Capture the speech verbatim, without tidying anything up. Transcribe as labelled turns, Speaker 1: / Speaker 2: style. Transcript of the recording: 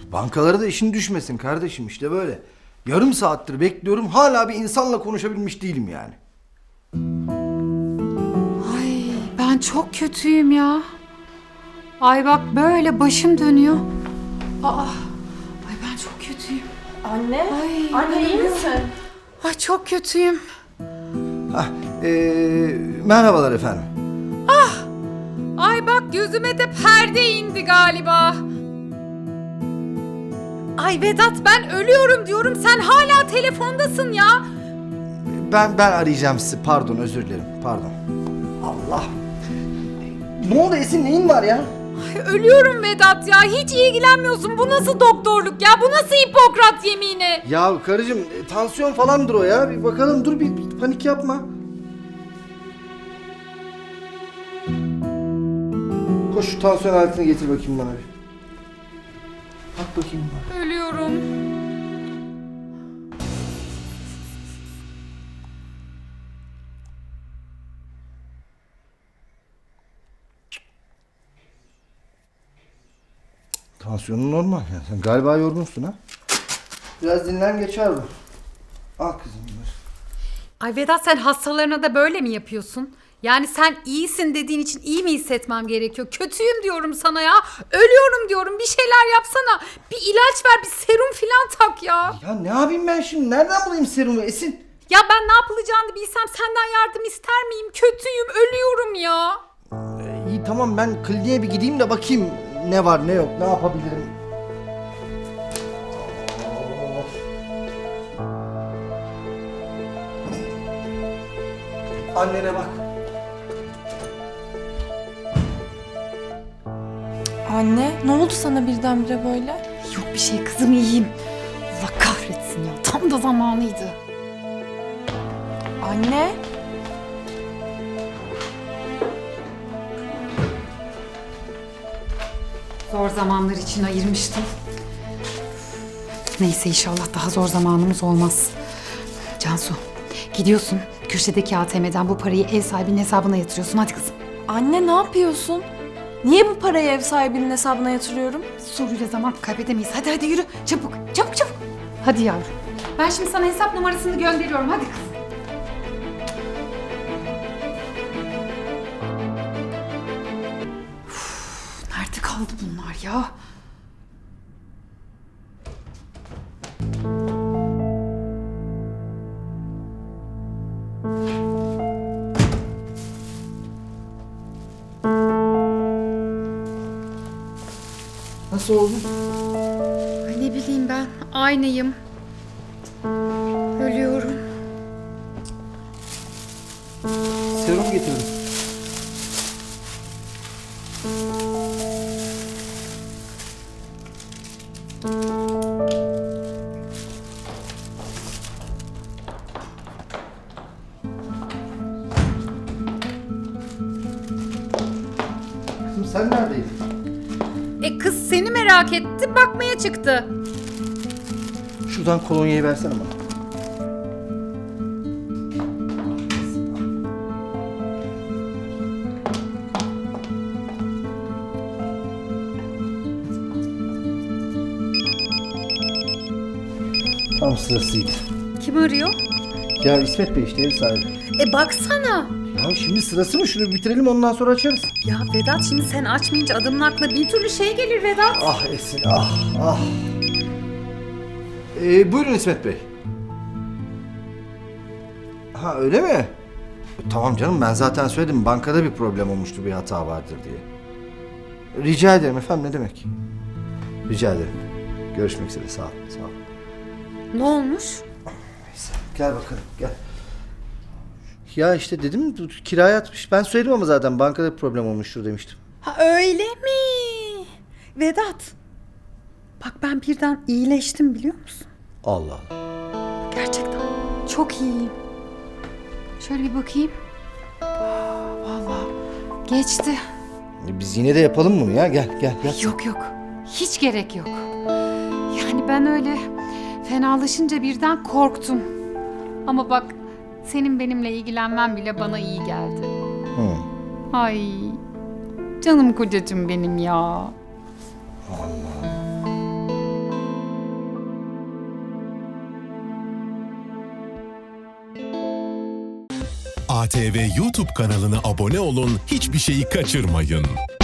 Speaker 1: Bankalara da işin düşmesin kardeşim, işte böyle. Yarım saattir bekliyorum, hala bir insanla konuşabilmiş değilim yani.
Speaker 2: Ay ben çok kötüyüm ya. Ay bak böyle başım dönüyor. Aa, ay ben çok kötüyüm.
Speaker 3: Anne,
Speaker 2: Ay,
Speaker 3: anne iyi misin?
Speaker 2: Ay çok kötüyüm.
Speaker 1: Hah, ee, merhabalar efendim.
Speaker 2: Ay bak gözüme de perde indi galiba. Ay Vedat ben ölüyorum diyorum, sen hala telefondasın ya.
Speaker 1: Ben ben arayacağım sizi, pardon, özür dilerim, pardon. Allah. Ne oldu Esin, neyin var ya?
Speaker 2: Ay, ölüyorum Vedat ya, hiç ilgilenmiyorsun. Bu nasıl doktorluk ya, bu nasıl Hipokrat yemini?
Speaker 1: Ya karıcığım, e, tansiyon falandır o ya. Bir bakalım, dur, bir, bir panik yapma. Koş şu tansiyon aletini getir bakayım bana bir. Bak bakayım bana.
Speaker 2: Ölüyorum.
Speaker 1: Tansiyonun normal yani. Sen galiba yorgunsun ha. Biraz dinlen, geçer bu. Al kızım bunları.
Speaker 2: Ay Vedat sen hastalarına da böyle mi yapıyorsun? Yani sen iyisin dediğin için iyi mi hissetmem gerekiyor? Kötüyüm diyorum sana ya. Ölüyorum diyorum. Bir şeyler yapsana. Bir ilaç ver, bir serum filan tak ya.
Speaker 1: Ya ne yapayım ben şimdi? Nereden bulayım serumu Esin?
Speaker 2: Ya ben ne yapılacağını bilsem senden yardım ister miyim? Kötüyüm, ölüyorum ya.
Speaker 1: Ee, iyi tamam, ben kliniğe bir gideyim de bakayım ne var ne yok, ne yapabilirim. Annene bak.
Speaker 3: Anne, ne oldu sana birdenbire böyle?
Speaker 2: Yok bir şey kızım, iyiyim. Allah kahretsin ya. Tam da zamanıydı.
Speaker 3: Anne,
Speaker 2: Zor zamanlar için ayırmıştım. Neyse inşallah daha zor zamanımız olmaz. Cansu, gidiyorsun. Köşedeki A T M'den bu parayı ev sahibinin hesabına yatırıyorsun. Hadi kızım.
Speaker 3: anne ne yapıyorsun? Niye bu parayı ev sahibinin hesabına yatırıyorum?
Speaker 2: Soruyla zaman kaybedemeyiz. Hadi hadi yürü. Çabuk, çabuk çabuk. Hadi yavrum. Ben şimdi sana hesap numarasını gönderiyorum. Hadi kızım. Uf, nerede kaldı bunlar ya?
Speaker 1: Nasıl oldu?
Speaker 2: Ay ne bileyim ben. Aynıyım. Ölüyorum.
Speaker 1: Serum getirdim. Kızım sen neredeydin?
Speaker 2: E kız seni merak etti, bakmaya çıktı.
Speaker 1: Şuradan kolonyayı versene bana. Tam sırasıydı.
Speaker 2: Kim arıyor?
Speaker 1: Ya İsmet Bey işte, ev sahibi.
Speaker 2: E baksana.
Speaker 1: Ya şimdi sırası mı? Şunu bitirelim, ondan sonra açarız.
Speaker 2: Ya Vedat şimdi sen açmayınca adamın aklına bir türlü şey gelir Vedat.
Speaker 1: Ah Esin, ah ah. Ee, buyurun İsmet Bey. Ha öyle mi? E, tamam canım, ben zaten söyledim, bankada bir problem olmuştu, bir hata vardır diye. Rica ederim efendim, ne demek? Rica ederim. Görüşmek üzere, sağ olun, sağ olun.
Speaker 2: Ne olmuş?
Speaker 1: Neyse, gel bakalım, gel. Ya işte dedim, kiraya atmış. Ben söyledim ama zaten bankada bir problem olmuştur demiştim.
Speaker 2: Ha öyle mi? Vedat. Bak ben birden iyileştim biliyor musun?
Speaker 1: Allah Allah.
Speaker 2: Gerçekten. Çok iyiyim. Şöyle bir bakayım. Aa, vallahi geçti.
Speaker 1: E, Biz yine de yapalım bunu ya, gel gel gel.
Speaker 2: Yok yok. Hiç gerek yok. Yani ben öyle fenalaşınca birden korktum. Ama bak senin benimle ilgilenmen bile bana iyi geldi.
Speaker 1: Hı.
Speaker 2: Ay canım kocacığım benim ya.
Speaker 1: Allah.
Speaker 4: A T V YouTube kanalına abone olun, hiçbir şeyi kaçırmayın.